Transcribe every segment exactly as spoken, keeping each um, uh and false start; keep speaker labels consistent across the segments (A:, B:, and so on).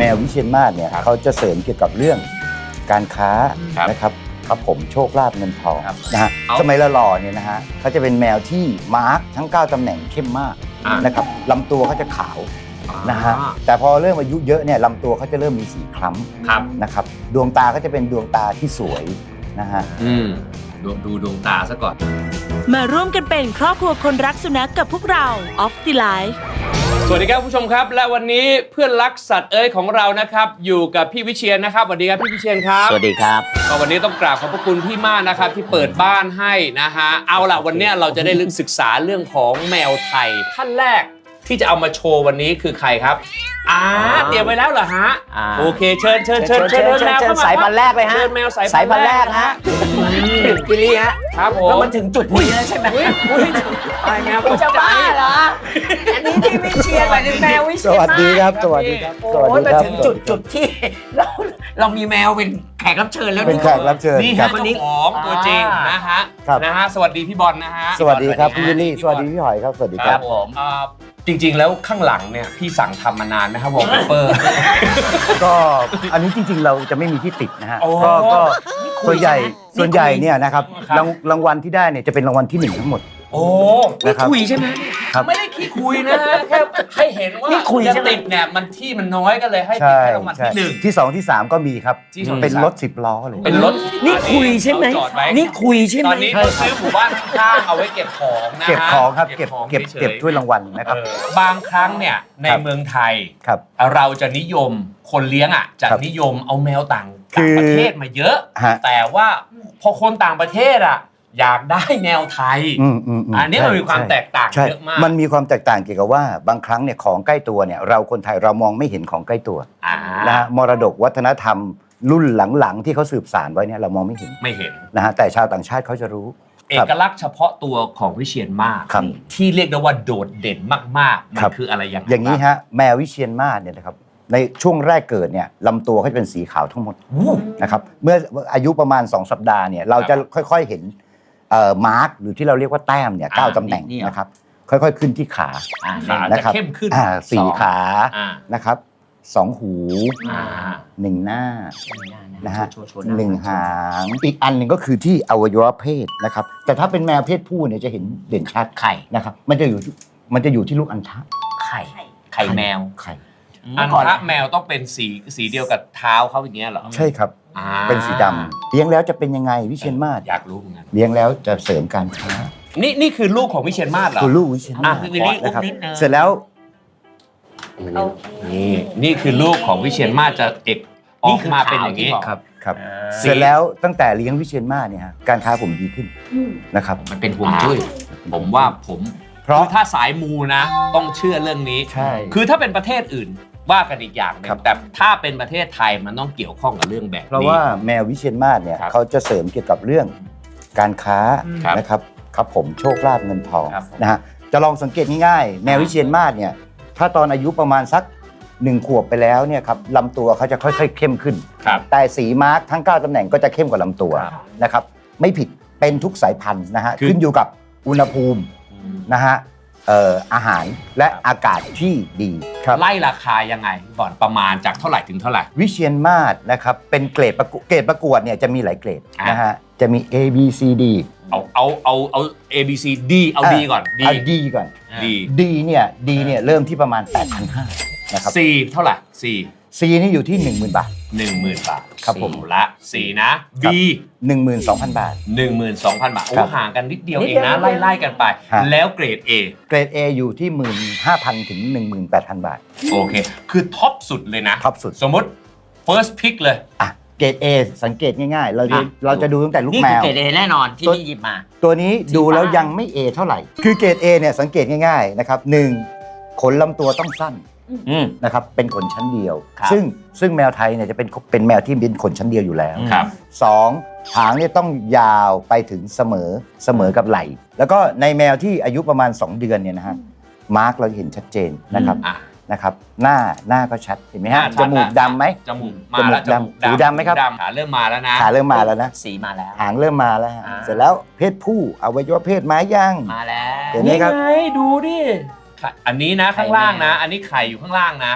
A: ววิเชียรมาศเนี่ยเขาจะเสริมเกี่ยวกับเรื่องการค้านะครับครับผมโชคลาภเงินทองนะฮะสมัยละหล่อเนี่ยนะฮะเขาจะเป็นแมวที่มาร์กทั้งเก้าตำแหน่งเข้มมากนะครับลำตัวเขาจะขาวนะฮะแต่พอเริ่มอายุเยอะเนี่ยลำตัวเขาจะเริ่มมีสีคล้ำนะครับดวงตาก็จะเป็นดวงตาที่สวยนะฮะ
B: อืมดูดูดวงตาซะก่อน
C: มาร่วมกันเป็นครอบครัวคนรักสุนัข ก, กับพวกเรา Off the Life
B: สวัสดีครับผู้ชมครับและวันนี้เพื่อนรักสัตว์เอ้ยของเรานะครับอยู่กับพี่วิเชียรนะครับสวัสดีครับพี่วิเชียรครับ
D: สวัสดีครับ
B: ก็วันนี้ต้องกราบขอบพระคุณพี่มากนะครับที่เปิดบ้านให้นะฮะเอาล่ะวันนี้เราจะได้ลึกศึกษาเรื่องของแมวไทยท่านแรกที่จะเอามาโชว์วันนี้คือใครครับอ่าเตรียมไว้แล้วเหรอฮะโอเคเชิญเชิญเชิญเชิญแมวเข้ามา
D: สายพันธุ์แรกเลยฮะ
B: เชิญแมวสาย
D: พันธุ์แรกฮะกิลี่ฮะ
B: ครับผม
D: แล้วมันถึงจุดนี้แล้วใช่ไหม
B: ตายแมว
D: จะบ้าเหรออันนี้ที่วิเชียรหมายถึงแมววิเชียร
A: สวัสดีครับสวัสดีครับ
D: โอ้ยมาถึงจุดจุดที่เราเรามีแมวเป็นแขกรับเชิญแล้ว
A: เป็นแขกรับเชิญ
B: นี่ฮะเจ้าของตัวจริงนะฮะนะฮะสวัสดีพี่บอลนะฮะ
A: สวัสดีครับพี่วิลลี่สวัสดีพี่หอยครับสวัสดีครับ
B: ผมจริงๆแล้วข้างหลังเนี่ยพี่สั่งทำมานานไหมครับวอลเปเปอร์
A: ก็อันนี้จริงๆเราจะไม่มีที่ติดนะฮะก็ก็ส่วนใหญ่ส่วนใหญ่เนี่ยนะครับรางวัลที่ได้เนี่ยจะเป็นรางวัลที่หนึ่งทั้งหมด
B: โอ้ไม่คุยใช่ไหมไม่ได้ขี้คุยนะฮะแค่ให้เห็นว่าจะติดเนี่ยมันที่มันน้อยก็เลยให้ติดแค่รางวัลที่หนึ่ง
A: ที่สองที่สามก็มีครับเป็นรถสิบล้อเลย
B: เป็นรถ
D: นี่คุยใช่ไหมนี่คุยใช่ไหม
B: ตอนนี้เขาซื้อหมู่บ้านข้างเอาไว้เก็บของนะฮะ
A: เก็บของครับเก็บเก็บเก็บถ้วยรางวัลนะครับ
B: บางครั้งเนี่ยในเมืองไทยเราจะนิยมคนเลี้ยงอ่ะจะนิยมเอาแมวต่างประเทศมาเยอะแต่ว่าพอคนต่างประเทศอ่ะอยากได้แนวไทยอันนี้มันมีความแตกต่างเยอะมาก
A: มันมีความแตกต่างเกี่ยวกับว่าบางครั้งเนี่ยของใกล้ตัวเนี่ยเราคนไทยเรามองไม่เห็นของใกล้ตัวนะฮะมรดกวัฒนธรรมรุ่นหลังๆที่เขาสืบสานไว้เนี่ยเรามองไม่เห็น
B: ไม่เห็น
A: นะฮะแต่ชาวต่างชาติเขาจะรู้
B: เอกลักษณ์เฉพาะตัวของวิเชียรมาศที่เรียกได้ว่าโดดเด่นมากๆมันคืออะไรอย่างไร
A: อย่างนี้ฮะแมววิเชียรมาศเนี่ยนะครับในช่วงแรกเกิดเนี่ยลำตัวเขาจะเป็นสีขาวทั้งหมดนะครับเมื่ออายุประมาณสองสัปดาห์เนี่ยเราจะค่อยๆเห็นมาร์กหรือที่เราเรียกว่าแต้มเนี่ยเก้าตำแหน่งนะครับค่อยๆขึ้นที่ขา
B: นะครับเข้มขึ้น
A: สี่ขานะครับสองหูหนึ่งหน้านะฮะหนึ่งหางอีกอันหนึ่งก็คือที่อวัยวะเพศนะครับแต่ถ้าเป็นแมวเพศผู้เนี่ยจะเห็นเด่นชัด
D: ไข่
A: นะครับมันจะอยู่มันจะอยู่ที่ลูกอัณฑะ
D: ไข่ไข่แมว
A: ไข่
B: อัณฑะแมวต้องเป็นสีสีเดียวกับเท้าเขาอย่างเงี้ยเหรอ
A: ใช่ครับเป็นสีดำเลี้ยงแล้วจะเป็นยังไงวิเชียรมาศ
B: อยากรู้เหมือนกัน
A: เลี้ยงแล้วจะเสริมการค้า
B: นี่นี่คือลูกของวิเชียรมาศเหรอ
A: คือลูกวิเชียรมาศนะครับเสร็จแล้ว
B: นี่นี่คือลูกของวิเชียรมาศจะเอกออกมาเป็นอย่างนี้
A: ครับครับเสร็จแล้วตั้งแต่เลี้ยงวิเชียรมาศเนี่ยฮะการค้าผมดีขึ้นนะครับ
B: มันเป็นห่วงจุ้ยผมว่าผมเพราะถ้าสายมูนะต้องเชื่อเรื่องนี้
A: ใช่
B: คือถ้าเป็นประเทศอื่นว่ากันอีกอย่างนึงแต่ถ้าเป็นประเทศไทยมันต้องเกี่ยวข้องกับเรื่องแบบนี้
A: เพราะว่าแมววิเชียรมาศเนี่ยเขาจะเสริมเกี่ยวกับเรื่องการค้านะครับครับผมโชคลาภเงินทองนะฮะจะลองสังเกตง่ายๆแมววิเชียรมาศเนี่ยถ้าตอนอายุประมาณสักหนึ่งขวบไปแล้วเนี่ยครับลำตัวเขาจะค่อยๆเข้มขึ้นแต่สีมาร์กทั้งเก้าตำแหน่งก็จะเข้มกว่าลำตัวนะครับไม่ผิดเป็นทุกสายพันธุ์นะฮะขึ้นอยู่กับอุณหภูมินะฮะเอ่ออาหารและอากาศที่ดี
B: ไล่ราคายังไงก่อนประมาณจากเท่าไหร่ถึงเท่าไหร่
A: วิเชียรมาศนะครับเป็นเกรดประกวดเกรดประกวดเนี่ยจะมีหลายเกรดนะฮะจะมี A B C D
B: เอาเอาเอาเอา A B C D เอา D ก่อน
A: D เอา D ก่อน D D เนี่ย D เนี่ยเริ่มที่ประมาณ แปดพันห้าร้อย นะครับ
B: C เท่าไหร่ C
A: C นี่อยู่ที่ หนึ่งหมื่น บาท
B: หนึ่งหมื่น บาท
A: ครับผม
B: ละ C นะ B
A: หนึ่งหมื่นสองพัน บาท
B: หนึ่งหมื่นสองพัน บาทโอ้ห่างกันนิดเดียวเองนะไล่ๆกันไปแล้วเกรด A
A: เกรด A อยู่ที่ หนึ่งหมื่นห้าพัน ถึง หนึ่งหมื่นแปดพัน บาท
B: โอเคคือท็อปสุดเลยนะ
A: ท็อปสุด
B: สมมติ first pick เลย
A: อ่ะเกรด A สังเกตง่ายๆเราเราจะดูตั้งแต่ลูกแมว
D: นี่คือเกรด A แน่นอนที่พี่หยิบมา
A: ตัวนี้ดูแล้วยังไม่ A เท่าไหร่คือเกรด A เนี่ยสังเกตง่ายๆนะครับหนึ่งขนลำตัวต้องสั้นนะครับเป็นขนชั้นเดียวซึ่งซึ่งแมวไทยเนี่ยจะเป็นเป็นแมวที่เป็นขนชั้นเดียวอยู่แล้วสองหางเนี่ยต้องยาวไปถึงเสมอเสมอกับไหล่แล้วก็ในแมวที่อายุประมาณสองเดือนเนี่ยนะฮะมาร์กเราเห็นชัดเจนนะครับนะครับหน้าหน้าก็ชัดเห็นไหมฮะจมูกดำไหม
B: จมูกมาแล้ว
A: จมูกดำหูดำไหมครับ
B: ขาเริ่มมาแล้วนะ
A: ขาเริ่มมาแล้วนะ
D: สีมาแล้ว
A: หางเริ่มมาแล้วเสร็จแล้วเพศผู้อวัยวะเพศม้าย่าง
D: มาแล้ว
A: เห็นไหมครับ
B: ดูดิอันนี้นะข้างล่างนะอันนี้ไข่อยู่ข้างล่างนะ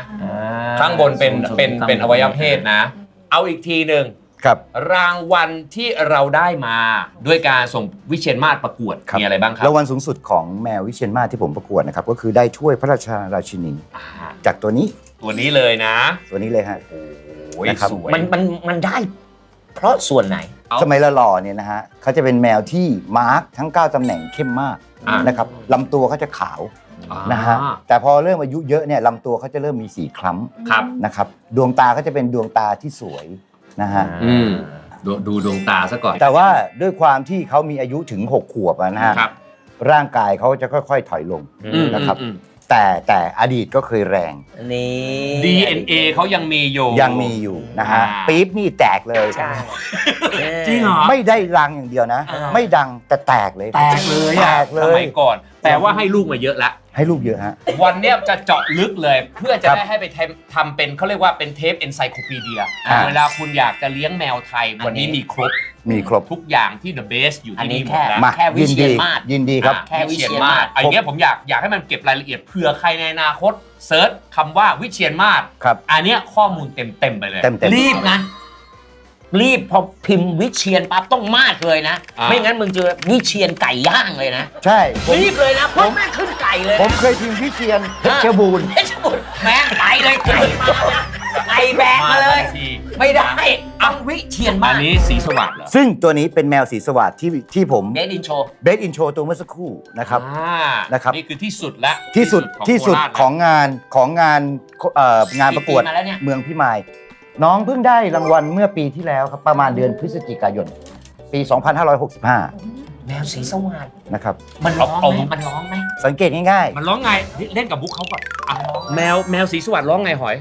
B: ข้างบนเป็นเป็นเป็นอวัยวะเพศนะ เอาอีกทีหนึ่ง
A: ครับ
B: รางวัลที่เราได้มาด้วยการส่งวิเชียรมาศประกวดมีอะไรบ้างครับ
A: รางวัลสูงสุดของแมววิเชียรมาศที่ผมประกวดนะครับก็คือได้ถ้วยพระราชาราชินี
B: อ่า
A: จากตัวนี้
B: ตัวนี้เลยนะ
A: ตัวนี้เลยฮะ
B: โอ้ย
A: นะครับ
B: สวย
D: มันมันมันได้ เพราะส่วนไหน
B: เอา
A: สมัยละหล่อเนี่ยนะฮะเขาจะเป็นแมวที่มาร์กทั้งเก้าตำแหน่งเข้มมาก
B: อ่าน
A: นะครับลำตัวเขาจะขาว
B: อ่า
A: นะฮะแต่พอเริ่มอายุเยอะเนี่ยลำตัวเขาจะเริ่มมีสีคล้
B: ครับ
A: ำนะครับดวงตาเขาจะเป็นดวงตาที่สวยนะฮะ
B: อืมดูดูดวงตาซะก่อน
A: แต่ว่าด้วยความที่เขามีอายุถึงหกขวบอะนะฮะ
B: ครับ
A: ร่างกายเขาจะค่อยๆถอยลง
B: อืม
A: นะครับ
B: อืม
A: แต่แต่อดีตก็เคยแรง
D: นี่
B: ดี เอ็น เอ เขายังมีอยู่
A: ยังมีอยู่นะฮะ
B: อ่า
A: ปี๊บนี่แตกเลย
D: ใช่
B: จริงเหรอ
A: ไม่ได้รังอย่างเดียวนะ
B: อ่า
A: ไม่ดังแต่แตกเลย
B: แตกเลย
A: แต
B: อะ
A: กเล
B: ส
A: ย
B: มัยก่อน แต่ว่าให้ลูกมาเยอะแล้ว
A: ให้ลูกเยอะฮะ
B: วันเนี้ยจะเจาะลึกเลย เพื่อจะ
A: ครับ
B: ได้ให้ไปทำทำเป็นเขาเรียกว่าเป็นเทปเอนไซโคปีเดีย
A: อ่า
B: เวลาคุณอยากจะเลี้ยงแมวไทย วันนี้มีครบ
A: มีครบ
B: ทุกอย่างที่ the best อยู่
D: อัน
B: ที่
D: นี้
B: นี่หม
D: แค่
B: ดแล้ว
A: มา
D: แค่วิ
A: ยิน
D: เชีย
A: ดี
D: รมาศ
A: ยินดีครับ
B: อ่า
D: แค่วิเชียรมาศ
B: อันเนี้ยผมอยากอยากให้มันเก็บรายละเอียดเผื่อใครในอนาคตเซิร์ชคำว่าวิเชียรมาศ
A: ครับ
B: อันเนี้ยข้อมูลเต็มเต็มๆไปเลย
A: เต็มเต็ม
D: รีบนะ รีบพอพิมพ์วิเชียรปั๊บต้องมาดเลยนะ
B: อ่า
D: ไม่งั้นมึงเจอวิเชียรไก่ย่างเลยนะ
A: ใช่ผม
D: รีบเลยนะเพราะแม่งขึ้นไก่เลย
A: ผมเคยพิมพ์วิเชียนเพชรบูรณ์
D: เพชรบุรีแม่งไปเลยไก่มานะไก่แบกมาเลย
B: ทันที
D: ไม่ได้ต้องวิเชียรมา
B: อั
D: ศ
B: นนี้สีสวัสดิ์เหรอ
A: ซึ่งตัวนี้เป็นแมวสีสวัสดที่ที่ผม
D: เดดอินโช
A: เบสอินโทรตัวเมื่อสักครู่นะครับ
B: อ่า
A: นะครับ
B: นี่คือที่สุดแล้ว
A: ที่สุดที่สุด
B: โคราช
A: ของงานของงานเอ่องานประกวด
D: กี่ปีมาแล้วเนี่ย
A: เมืองพิมาย น้องเพิ่งได้รางวัลเมื่อปีที่แล้วครับประมาณเดือนพฤศจิกายน ปี สองพันห้าร้อยหกสิบห้า
D: แมวสีสวัสด
A: นะครับ
D: มันร้อง
B: เอา
D: ไหม
B: เอา
D: มันร้องไหม
A: สังเกตง่าย
B: มันร้องไงเล่นกับบุ๊กเขาก่อนอ่ะแมวแมวสีสวัสดิ์ร้องไงหอย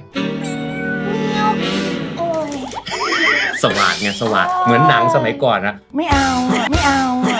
B: สวัสดิ์ไงสวัสดิ์เหมือนหนังสมัยก่อนนะ
A: ๆ ไม่เอาอะไม่เอาอะ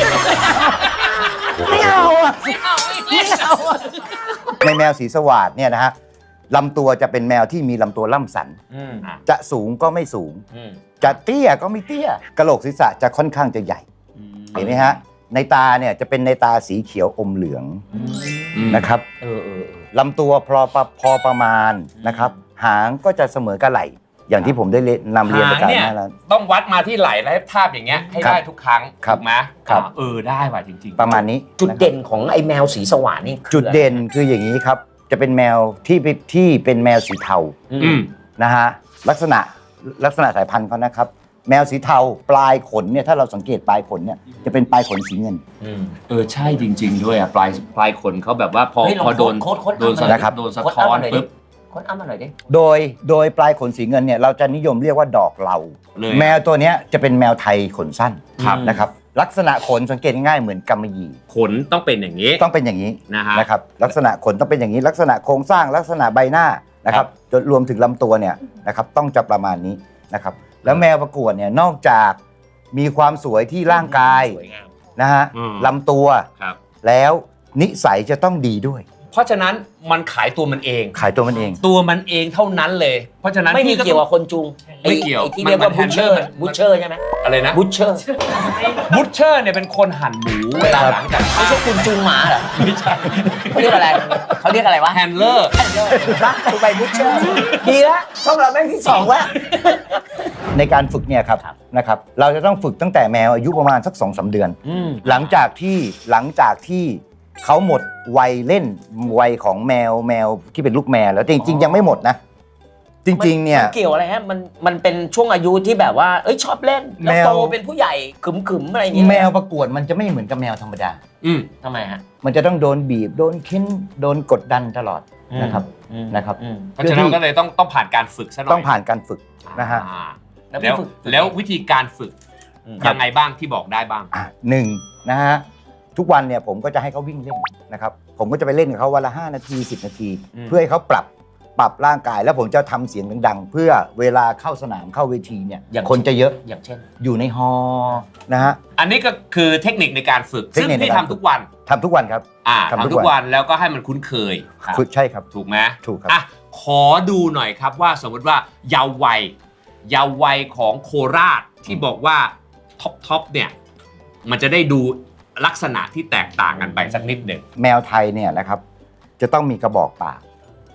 A: ไม่เอาอะไม่เอาอะในแมวสีสวัสดเนี่ยนะฮะลำตัวจะเป็นแมวที่มีลำตัวล่ำสัน
D: อืม
A: จะสูงก็ไม่สูง
B: อืม
A: จะเตี้ยก็ไม่เตี้ยกระโหลกศีรษะจะค่อนข้างจะใหญ่ เห็นไหมฮะ ในตาเนี่ยจะเป็นในตาสีเขียวอมเหลืองนะครับ
D: เออเออเออ
A: ลำตัวพอประพอประมาณนะครับ หางก็จะเสมอกับไหล่ อย่างที่ผมได้นำเรียนไป
B: หาง
A: การ
B: เนี่ย
A: หน้าแล้ว
B: ต้องวัดมาที่ไหล่และทาบอย่างเงี้ยให้
A: ครับ
B: ได้ทุกครั้ง
A: ครับ
B: ถูกไหม
A: ครับ
B: อ่าเออได้ว่ะจริงๆ
A: ประมาณนี้
D: จุด
A: นะครับ
D: เด่นของไอ้แมวสีสว่านนี่คือ
A: จุดเด่นคืออย่างนี้ครับ จะเป็นแมวที่เป็นที่เป็นแมวสีเทา
B: อืม
A: นะฮะลักษณะลักษณะสายพันธุ์เขานะครับ แมวสีเทาปลายขนเนี่ยถ้าเราสังเกตปลายขนเนี่ยจะเป็นปลายขนสีเงิน
D: อืม
B: เออใช่จริง ๆ ด้วยอ่ะปลายปลายขนเขาแบบว่าพอ
D: เฮ้ยลอง
B: พอโดน
D: โค้ดโค้ด
B: โดนสะ
A: นะครับ
B: โดนสะท้อนปุ๊บ
D: ค้นอ้ำมาหน่อยดิ
A: โดยโดยปลายขนสีเงินเนี่ยเราจะนิยมเรียกว่าดอกเหลา
B: เลย
A: แมวตัวเนี้ยจะเป็นแมวไทยขนสั้น
B: ครับ
A: นะครับลักษณะขนสังเกตง่ายๆเหมือนกำมะหยี่
B: ขนต้องเป็นอย่างนี้
A: ต้องเป็นอย่างนี้
B: นะฮะ
A: นะครับลักษณะขนต้องเป็นอย่างนี้ ลักษณะโครงสร้างลักษณะใบหน้านะครับจนรวมถึงลำตัวเนี่ยนะครับต้องจะประมาณนี้นะครับแล้วแมวประกวดเนี่ยนอกจากมีความสวยที่ร่างกาย
D: สวยงาม
A: นะฮะ
B: อืม
A: ลำตัว
B: ครับ
A: แล้วนิสัยจะต้องดีด้วย
B: เพราะฉะนั้นมันขายตัวมันเอง
A: ขายตัวมันเอง
B: ตัวมันเองเท่านั้นเลย เพราะฉะนั้น
D: ไม่มี
B: พี่
D: เกี่ยวกับคนจูง
B: ไม่เกี่ยว
D: ไอ้ที่เรียกว่า
B: มัน
D: บูชเชอร์
B: มัน
D: บูชเชอร์ใช่ไหม
B: อะไรนะ
D: บูชเชอร์
B: บูชเชอร์เนี่ยเป็นคนหั่นหมูเวลาหลังจาก
D: ไม่ใช่คุณจูงหมาเหรอ
B: ไม่ใช่
D: เขาเรียกอะไรเขาเรียกอะไรวะ
B: แฮนเลอร์
D: รักกูไปบูชเชอร์ดีแล้วช่องเราแม่งที่สองแล้ว
A: ในการฝึกเนี่ยครับ
D: ครับ
A: นะครับเราจะต้องฝึกตั้งแต่แมวอายุประมาณสักสองสามเดือน
D: อืม
A: หลังจากที่หลังจากที่เขาหมดวัยเล่นวัยของแมวแมวที่เป็นลูกแมวแล้วจริงๆยังไม่หมดนะ จริงๆเนี่ย
D: มันเกี่ยวอะไรฮะมันมันเป็นช่วงอายุที่แบบว่าเอ้ยชอบเล่นแล้ว
A: แมว
D: โตเป็นผู้ใหญ่ขึมๆอะไรอย่างเงี้ย
A: แมวประกวดมันจะไม่เหมือนกับแมวธรรมดา
B: อืม
D: ทำไมฮะ
A: มันจะต้องโดนบีบโดนเค้นโดนกดดันตลอดนะครับ
D: อืม
A: นะครับ
D: อืม
B: เพราะฉะนั้นก็เลยต้องต้องผ่านการฝึกซะหน่อย
A: ต้องผ่านการฝึกนะฮะ
B: อ่า
D: แล้ว
B: แล้ว
D: ฝึก
B: แล้ววิธีการฝึก
D: อืม
B: ยังไงบ้างที่บอกได้บ้าง
A: อ่ะหนึ่งนะฮะทุกวันเนี่ยผมก็จะให้เขาวิ่งเล่นนะครับผมก็จะไปเล่นกับเขาวันละห้านาทีสิบนาที
D: อืม
A: เพื่อให้เขาปรับปรับร่างกายแล้วผมจะทำเสียงดังๆ เพื่อเวลาเข้าสนามเข้าเวทีเนี่ยคนจะเยอะ
D: อย่างเช่น
A: อยู่ในฮอลล์นะฮะ
B: อันนี้ก็คือเทคนิคในการฝึก
A: เทค
B: ซึ่ง
A: นิคใน
B: พี่
A: การ
B: ทำทุกวัน
A: ทำทุกวันครับ
B: อ่า
A: ทำทุก
B: ทำทุก
A: วัน
B: วันแล้วก็ให้มันคุ้นเคย
A: คือใช่ครับ
B: ถูกไหม
A: ถูกครับ
B: อ่ะขอดูหน่อยครับว่าสมมติว่าเยาว์วัยเยาว์วัยของโคราชที่บอกว่าท็อปท็อปเนี่ยมันจะได้ดูลักษณะที่แตกต่างกันไปสักนิดหนึ่ง
A: แมวไทยเนี่ยนะครับจะต้องมีกระบอกปาก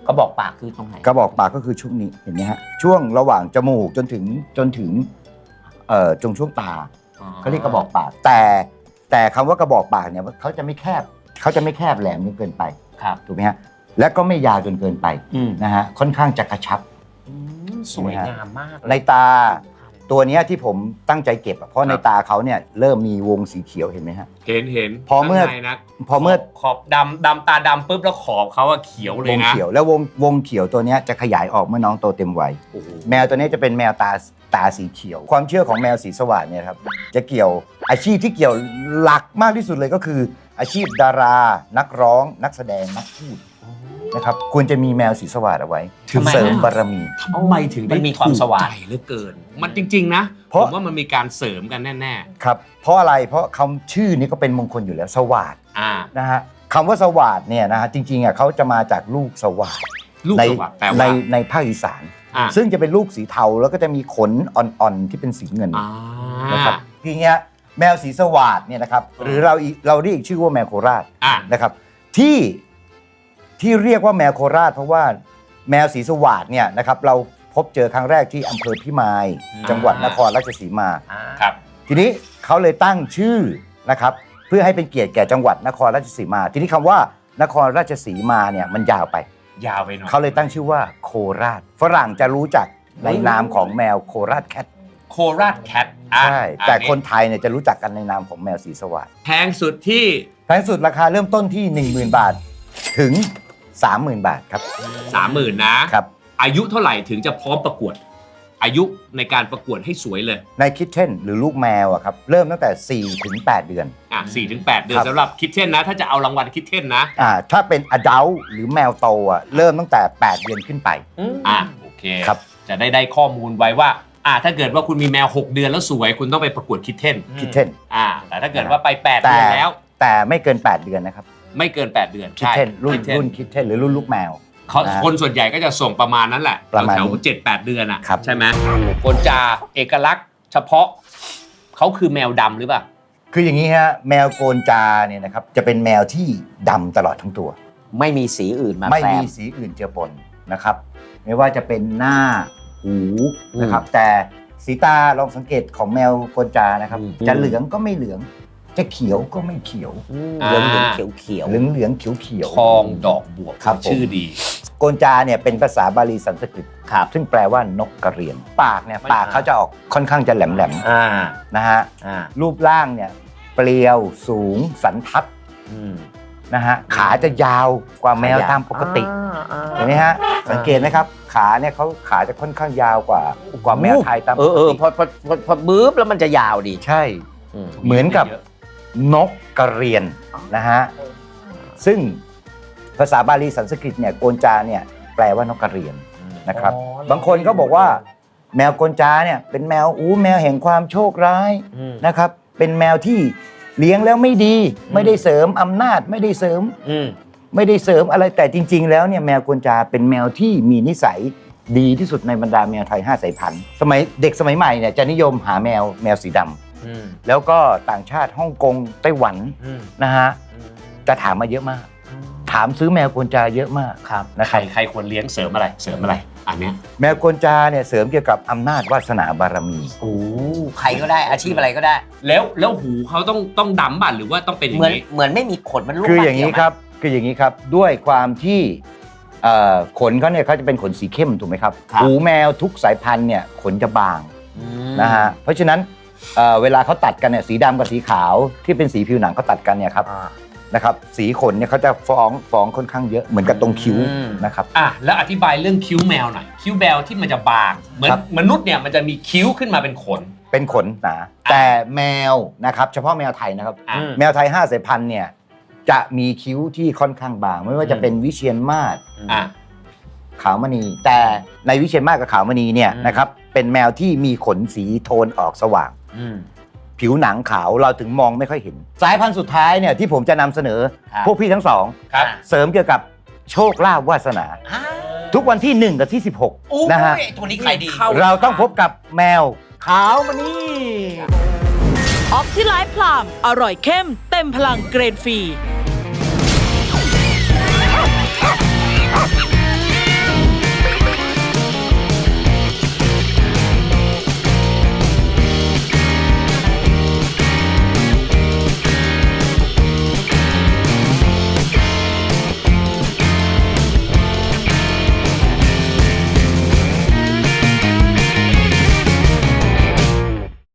D: กระบอกปากคือตรงไหน
A: กระบอกปากก็คือช่วงนี้เห็นไหมฮะช่วงระหว่างจมูกจนถึงจนถึงเอ่อจงช่วงตาเขาเรียกกระบอกปาก แต่แต่คำว่ากระบอกปากเนี่ยเขาจะไม่แคบเขาจะไม่แคบแหลมจนเกินไป
D: ครับ
A: ถูกไหมฮะและก็ไม่ยาวจนเกินไป
D: อืม
A: นะฮะค่อนข้างจะกระชับ
B: สวยงามมาก
A: ในตาตัวเนี้ยที่ผมตั้งใจเก็บอะเพราะในตาเขาเนี่ยเริ่มมีวงสีเขียวเห็นไหมฮะ
B: เห็นเห็น
A: พอเมื่อ
B: ข้างในนะ
A: พอเมื่อ
B: ขอบดำดำตาดำปุ๊บแล้วขอบเขาอะเขียวเล
A: วย ง
B: นะ
A: เขียวแล้ววงวงเขียวตัวเนี้ยจะขยายออกเมื่อน้องโตเต็มวัย
B: โอ้โห
A: แมวตัวนี้จะเป็นแมวตาตาสีเขียว ความเชื่อของแมวสีสว่างเนี่ยครับจะเกี่ยวอาชีพที่เกี่ยวหลักมากที่สุดเลยก็คือ อาชีพดารา นักร้อง นักแสดงนักพูดนะครับควรจะมีแมวสีสว่างเอาไว้ถึงเสริมบารมี
B: ทำไมถึงได้
D: มันมีความสว่าง
B: ถูกใจเหลือเกิน มันจริง ๆ นะ
A: เพ
B: ผ
A: ราะ
B: มว่ามันมีการเสริมกันแน่
A: ครับเพราะอะไรเพราะคำชื่อนี้ก็เป็นมงคลอยู่แล้วสว่าง
B: ๆอ่า
A: นะฮะคำว่าสว่างเนี่ยนะฮะจริงๆอ่ะเขาจะมาจากลูกสว่าง
B: ลูก
A: ใน
B: สวัสดิ์แปล
A: ใน
B: ว่า
A: ในภาคอีสาน
B: อ่า
A: ซึ่งจะเป็นลูกสีเทาแล้วก็จะมีขนอ่อนๆที่เป็นสีเงิน
B: อ่า
A: นะครับทีเนี้ยแมวสีสวาดเนี่ยนะครับ
B: อ่า
A: หรือเราอีเราเรียกอีกชื่อว่าแมวโคราช
B: อ่า
A: นะครับที่ที่เรียกว่าแมวโคราช เพราะว่าแมวสีสวาดเนี่ยนะครับเราพบเจอครั้งแรกที่อำเภอพิมาย จังหวัดนครราชสีมา
D: อ่า
B: ครับ
A: ทีนี้เขาเลยตั้งชื่อนะครับเพื่อให้เป็นเกียรติแก่จังหวัดนครราชสีมา ทีนี้คำว่านครราชสีมาเนี่ยมันยาวไป
B: ยาวไปหน่อย
A: เขาเลยตั้งชื่อว่าโคราช ฝรั่งจะรู้จักในนามของแมวโคราชแคท
B: โคราชแคทอ่ะ
A: ใช่แต่
B: อั
A: คนไทยเนี่ยจะรู้จักกันในนามของแมวสีสวัสด
B: แพงสุดที่
A: แพงสุดราคาเริ่มต้นที่ หนึ่งหมื่น บาทถึง สามหมื่น บาทครับ
B: สามหมื่นนะ
A: ครับ
B: อายุเท่าไหร่ถึงจะพร้อมประกวด อายุในการประกวดให้สวยเลย
A: ในคิทเช่นหรือลูกแมวอะครับเริ่มตั้งแต่ สี่ถึงแปด เดือน
B: อ่ะสี่ถึงแปดเดือน
A: ครับ
B: สำหรับคิดเช่นนะ ถ้าจะเอารางวัลคิดเช่นนะ
A: อ่าถ้าเป็น adult หรือแมวโตอ่ะเริ่มตั้งแต่ แปด เดือนขึ้นไป
B: อ่ะโอเค
A: ครับ
B: จะได้ได้ข้อมูลไว้ว่าอ่ะถ้าเกิดว่าคุณมีแมว หก เดือนแล้วสวย คุณต้องไปประกวดคิดเช่น
A: คิทเช่น
B: อ่าแต่ถ้าเกิดว่าไป แปด
A: แต่
B: เดือนแล้ว
A: แต่ไม่เกิน แปด เดือนนะครับ
B: ไม่เกิน แปด เดือน
A: คิทเช่นรุ่น
B: Kitten
A: รุ่นคิทเช่นหรือรุ่นลูกแมว
B: เขา
A: นะ
B: คนส่วนใหญ่ก็จะส่งประมาณนั้นแหละ
A: ประมาณ
B: แถว
A: นี้
B: ๆเจ็ดแปดเดือนอ่ะ
A: ครับ
B: ใช่ไหมโกนจาเอกลักษณ์เฉพาะเขาคือแมวดำหรือเปล่า
A: คืออย่างนี้ฮะแมวโกนจาเนี่ยนะครับจะเป็นแมวที่ดำตลอดทั้งตัว
D: ไม่มีสีอื่นมา
A: ไม่
D: แฝ
A: มี
D: ง
A: สีอื่นเจือปนนะครับ ไม่ว่าจะเป็นหน้าหูนะครับ แต่สีตาลองสังเกตของแมวโกนจานะครับ
D: อืม
A: จะเหลืองก็ไม่เหลือง จะเขียวก็ไม่เขียว
B: อ่า
D: เหลืองเหลืองเขียวเขียว
A: เหลืองเหลืองเขียวเขียว
B: ทองดอกบวก
A: ครับผม
B: ชื่อดี
A: โกนจาเนี่ยเป็นภาษาบาลีสันสกฤต
D: ครับ
A: ซึ่งแปลว่านกกระเรียน ปากเนี่ย
B: ไม่
A: ปากเขาจะออกค่อนข้างจะแหลมแหลม
D: อ่า
A: ๆนะฮะ
D: อ่า
A: รูปร่างเนี่ยเปรียวสูงสันทัด
D: อืม
A: นะฮะขาจะยาวกว่าแมวตามปกติ
D: อ่า
A: เห็นไหมฮะสังเกตไหมครับ ขาเนี่ยเขาขาจะค่อนข้างยาวกว่ากว่าแมวไทยตามป
D: เออก เออ
A: ติ
D: พอพอพอพอบื้บแล้วมันจะยาวดี
A: ใช่
D: อืม
A: เหมือนกับนกกระเรียนนะฮะซึ่งภาษาบาลีสันสกฤตเนี่ยโกนจาเนี่ยแปลว่านกกระเรียนนะครับ บางคนก็บอกว่า แมวโกนจาเนี่ยเป็นแมวอู้แมวแห่งความโชคร้าย
D: อืม
A: นะครับเป็นแมวที่เลี้ยงแล้วไม่ดี ไม่ได้เสริมอำนาจไม่ได้เสริม
D: อืม
A: ไม่ได้เสริมอะไรแต่จริง ๆ แล้วเนี่ยแมวโกนจาเป็นแมวที่มีนิสัยดีที่สุดในบรรดาแมวไทยห้าสายพันธุ์สมัยเด็กสมัยใหม่เนี่ยจะนิยมหาแมวแมวสีดำ
D: อืม
A: แล้วก็ต่างชาติฮ่องกงไต้หวัน
D: อืม
A: นะฮะจะถามมาเยอะมาก ถามซื้อแมวโกนจาเยอะมาก
D: ครับ
A: นะค
B: ใคร
A: รับ
B: ใครควรเลี้ยงเสริมอะไรเสริมอะไรอันเนี้ย
A: แมวโกนจาเนี่ยเสริมเกี่ยวกับอำนาจวาสนาบารมี
D: โอ้ใครก็ได้อาชีพอะไรก็ได้
B: แล้วแล้วหูเขาต้องต้องดำบ้านหรือว่าต้องเป็นอย่า
D: เหมือน
B: งนี้
D: เหมือนไม่มีขนมันลูก
A: คืออย่างนี้
D: นี้
A: ครับคืออย่างนี้ครับด้วยความที่เอ่อขนเขาเนี่ยเขาจะเป็นขนสีเข้มถูกไหมครับหูแมวทุกสายพันธุ์เนี่ยขนจะบางนะฮะเพราะฉะนั้นเอ่อเวลาเขาตัดกันเนี่ยสีดำกับสีขาวที่เป็นสีผิวหนังเขาตัดกันเนี่ยครับนะครับสีขนเนี่ยเขาจะฟ้องฟ้องค่อนข้างเยอะเหมือนกับตรงคิ้วนะครับ
B: อ่ะแล้วอธิบายเรื่องคิ้วแมวหน่อยคิ้วแมวที่มันจะบางเหมือน
A: ครับ
B: มนุษย์เนี่ยมันจะมีคิ้วขึ้นมาเป็นขน
A: เป็นขนหนาแต่แมวนะครับเฉพาะแมวไทยนะครับ
B: อ่ะ
A: แมวไทยห้าสายพันธุ์เนี่ยจะมีคิ้วที่ค่อนข้างบาง ไม่ว่าจะเป็นวิเชียรมาศ
B: อ่ะ
A: ขาวมณี แต่ในวิเชียรมาศกับขาวมณีเนี่ยนะครับเป็นแมวที่มีขนสีโทนออกสว่าง
D: อืม
A: ผิวหนังขาวเราถึงมองไม่ค่อยเห็น สายพันธุ์สุดท้ายเนี่ยที่ผมจะนำเสนอ
D: ครับ
A: พวกพี่ทั้งสอง
B: ครับ
A: เสริมเกี่ยวกับโชคลาภวาสนา
D: อ่า
A: ทุกวันที่หนึ่งกับที่สิบหก
D: โอ้
A: นะฮะ
D: ยตัวนี้ใครดี
A: เราต้องพบกับแมวขาวมณี
C: ออฟที่ไลฟ์พลามอร่อยเข้มเต็มพลังเกรดฟรี